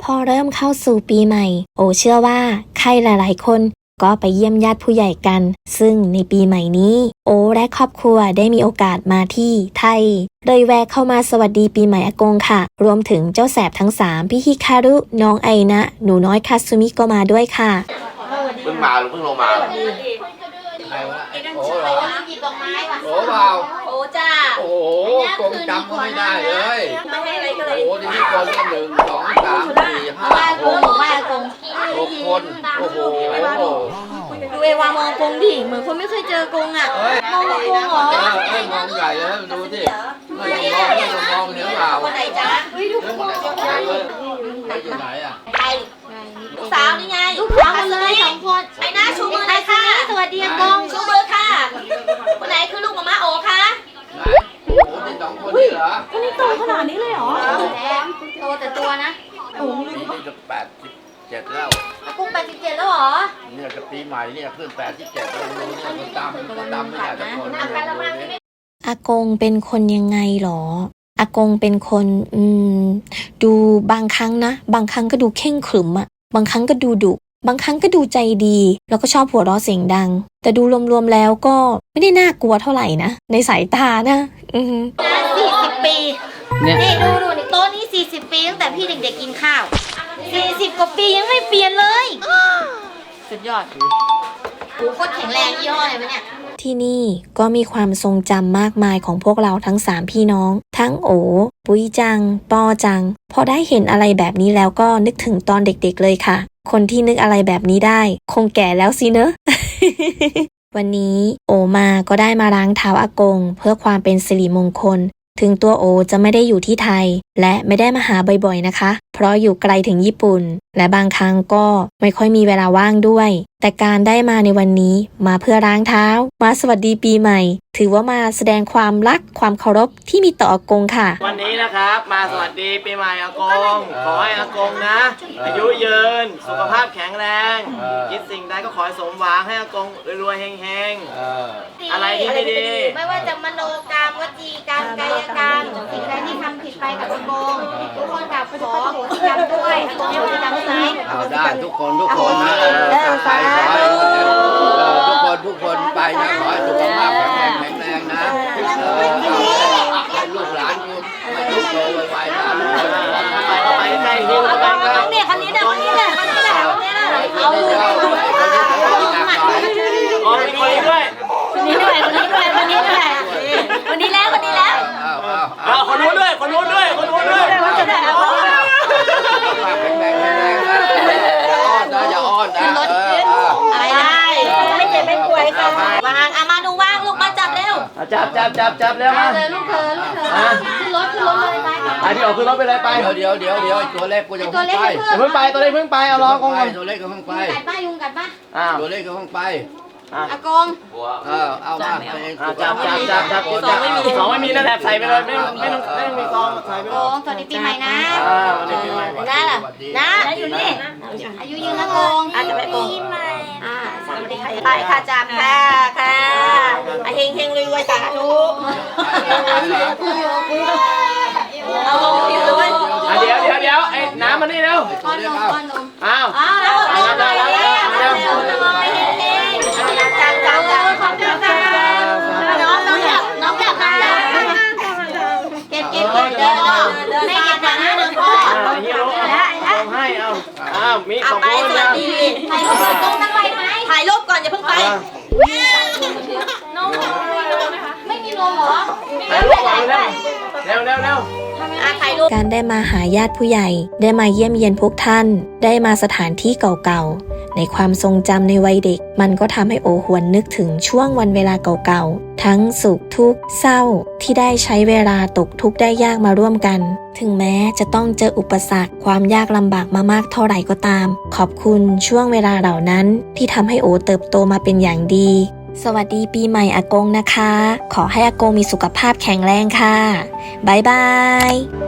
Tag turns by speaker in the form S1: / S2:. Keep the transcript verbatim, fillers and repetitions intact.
S1: พอเริ่มเข้าสู่ปีใหม่โอเชื่อว่าใครหลายๆคนก็ไปเยี่ยมญาติผู้ใหญ่กันซึ่งในปีใหม่นี้โอและครอบครัวได้มีโอกาสมาที่ไทยเลยแวะเข้ามาสวัสดีปีใหม่อากงค่ะรวมถึงเจ้าแสบทั้งสามพี่ฮิคารุน้องไอนะหนูน้อยคาซุมิก็มาด้วยค่ะ
S2: เพิ่งมาหรือเพิ่งลงมาใครวะโอ้เหรอโอ้เปล่า
S3: โอ้จ้า
S2: โอ้กงจำก็ไม่ได้เลยโอ้ที่นี่คนหนึ่งสองสามสี่ห้าหกหกคนโอ้โห
S3: ดูเอวามองกงดิเหมือนคนไม่เคยเจอกงอ่ะมองกงเหรอ
S2: เอ้ยมองใหญ่เลยดูสิไม่ต้องมองไม่ต้องมองเนื้อเปล่า
S3: คนไหนจ๊ะ
S2: เฮ้ยทุกคนอยู่ไหนอ่ะ
S3: ใครลูกสาวนี่ไงลูกสาวคนเลยสองคนไอ้หน้าชูมือเลยค่ะสวัสดีกงชูมือค่ะคนไหนคือลูกหม่าม้าโอคะ
S2: ไหนโอ้ที่สองคนนี่เหรอ
S3: คนนี้โตขนาดนี้เลยเหรอโตแต่ตัวนะ
S2: โอ้นี่จะแปดสิบเจ็ดแล้ว
S3: อากงแปดสิบเจ็ดแล้วเหรอ
S2: เนี่ยจะปีใหม่เนี่ยขึ้นแปดสิบเจ็ดแล้วดูเนี่ยมันตามมันตามไม่ได้ทุกคน
S1: อากงเป็นคนยังไงหรออากงเป็นคนอืมดูบางครั้งนะบางครั้งก็ดูเข่งขรึมอะบางครั้งก็ดูดุบางครั้งก็ดูใจดีแล้วก็ชอบหัวเราะเสียงดังแต่ดูรวมๆแล้วก็ไม่ได้น่ากลัวเท่าไหร่นะในสายตานะอือ
S3: สี่สิบปีนี่ดูดูนี่โต๊ะนี้สี่สิบปีตั้งแต่พี่เด็กๆกินข้าวสี่สิบกว่าปียังไม่เปลี่ยนเลยสุดยอดหูโคตรแข็งแรงยี่ห้ออะไรวะเนี่ย
S1: ที่นี่ก็มีความทรงจำมากมายของพวกเราทั้งสามพี่น้องทั้งโอปุ้ยจังปอจังพอได้เห็นอะไรแบบนี้แล้วก็นึกถึงตอนเด็กๆเลยค่ะคนที่นึกอะไรแบบนี้ได้คงแก่แล้วสิเนอะ วันนี้โอมาก็ได้มาล้างเท้าอากงเพื่อความเป็นสิริมงคลถึงตัวโอจะไม่ได้อยู่ที่ไทยและไม่ได้มาหาบ่อยๆนะคะเพราะอยู่ไกลถึงญี่ปุ่นและบางครั้งก็ไม่ค่อยมีเวลาว่างด้วยแต่การได้มาในวันนี้มาเพื่อล้างเท้ามาสวัสดีปีใหม่ถือว่ามาแสดงความรักความเคารพที่มีต่ออากงค่ะ
S4: วันนี้นะครับมาสวัสดีปีใหม่อากงขอให้อากงนะอายุยืนสุขภาพแข็งแรงคิดสิ่งใดก็ขอให้สมหวังให้อากงรวยๆเฮงๆอะไรที่ไม่ดี
S3: ไม่ว่าจะมโนกรรมวจีกรรมกายกรรมสิ่งใดที่ทำผิดไปกับอากงทุกคนกับขอโหสิกรรมด้วยอากงให้โหสิกรรมได้ไหม
S2: เอาได้ทุกคนทุกคนนะไปขอให้ทุกคนทุกคนไปนะขอให้สุขภาพแข็งแรงแข็งแรงนะให้ลูกหลานกูให้ลูกโตไปๆนะ
S4: ไปไปใกล้หิ้วไปใกล้
S3: เนี่ยคนนี้เนี่ยคนนี้เนี่ยคนนี้เนี่ยคนนี้เนี่ยเอา
S4: อ๋อมีคนนี้ด้วย
S3: คนนี้ด้วยคนนี้ด้วยคนนี้ด้วยคนนี้แล้วคนนี้แล้ว
S4: เอาคนนู้นด้วยคนนู้นด้วยคนนู้นด้วย
S3: คนจะได้เอา
S2: แข็งแรงแข็งแรงนะอ้อนนะอย่าอ้อนนะ
S3: อะไรได้ไม่เจ็บไม่ป่วยค่ะวางอามาดูว่างลูกมาจับเร็ว
S4: จับจับจับจับเร็วมา
S3: เลยลูกเธอลูกเธอขึ้นรถขึ้นรถเลยไป
S4: ไปพี่ออกขึ้นรถไปเลยไป
S2: เดี๋ยวเดี๋ยวเดี๋ยวตัวเล็กกูจะเพิ่งไป
S4: เพิ่งไปตัวเล็กเพิ่งไปเอารอก่อน
S2: ตัวเล็กก็เพิ่งไป
S3: กัดป้ายุงกัดป้า
S2: ตัวเล็กก็เพิ่งไป
S3: อากง
S2: เออเอามา
S4: จับจับจับจับสองไม่มีสองไม่มีนั่นแหละใส่ไปเลยไม่ไม่ต้องไม่ต้องมีซองใส่ไปเลย
S3: สวัสดีปีใหม่นะ
S4: นะ
S3: นะอยู่นี่อายุยืนนะกงอาจจะไปกงอ่าสวัสดีค่ะไปค่ะจับค่ะค่ะเฮงเฮงรวยรวยสาธุเอาลงดิด้วย
S4: เดี๋ยวเดี๋ยวเดี๋ยวไอ้น้ำมานี่เร็ว
S3: ก้อนนมก้อนนม
S4: อ้าว
S3: อ้าวแล้วแล้วแล้วแล้วจับจับจับขอบคุณค่ะน้องน้องจับน้องจับค่ะเก็บเก็บเก็บเดินไม่เก็บหนังนะเดินพ่อ
S4: ฮีโร่เอาให้เอาอ้าวมีของคุณนะ
S3: ถ่ายรูปตรงนั่งไปไหมถ่ายรูปก่อนอย่าเพิ่งไปน้องไม่มีลมเหรอ
S4: ถ่ายรูปก่อนเร็วเร็วเร็วเร็ว
S1: การได้มาหาญาติผู้ใหญ่ได้มาเยี่ยมเยียนพวกท่านได้มาสถานที่เก่าๆในความทรงจำในวัยเด็กมันก็ทำให้โอหวนนึกถึงช่วงวันเวลาเก่าๆทั้งสุขทุกข์เศร้าที่ได้ใช้เวลาตกทุกข์ได้ยากมาร่วมกันถึงแม้จะต้องเจออุปสรรคความยากลำบากมามากเท่าไหร่ก็ตามขอบคุณช่วงเวลาเหล่านั้นที่ทำให้โอเติบโตมาเป็นอย่างดีสวัสดีปีใหม่อากงนะคะขอให้อากงมีสุขภาพแข็งแรงค่ะบ๊ายบาย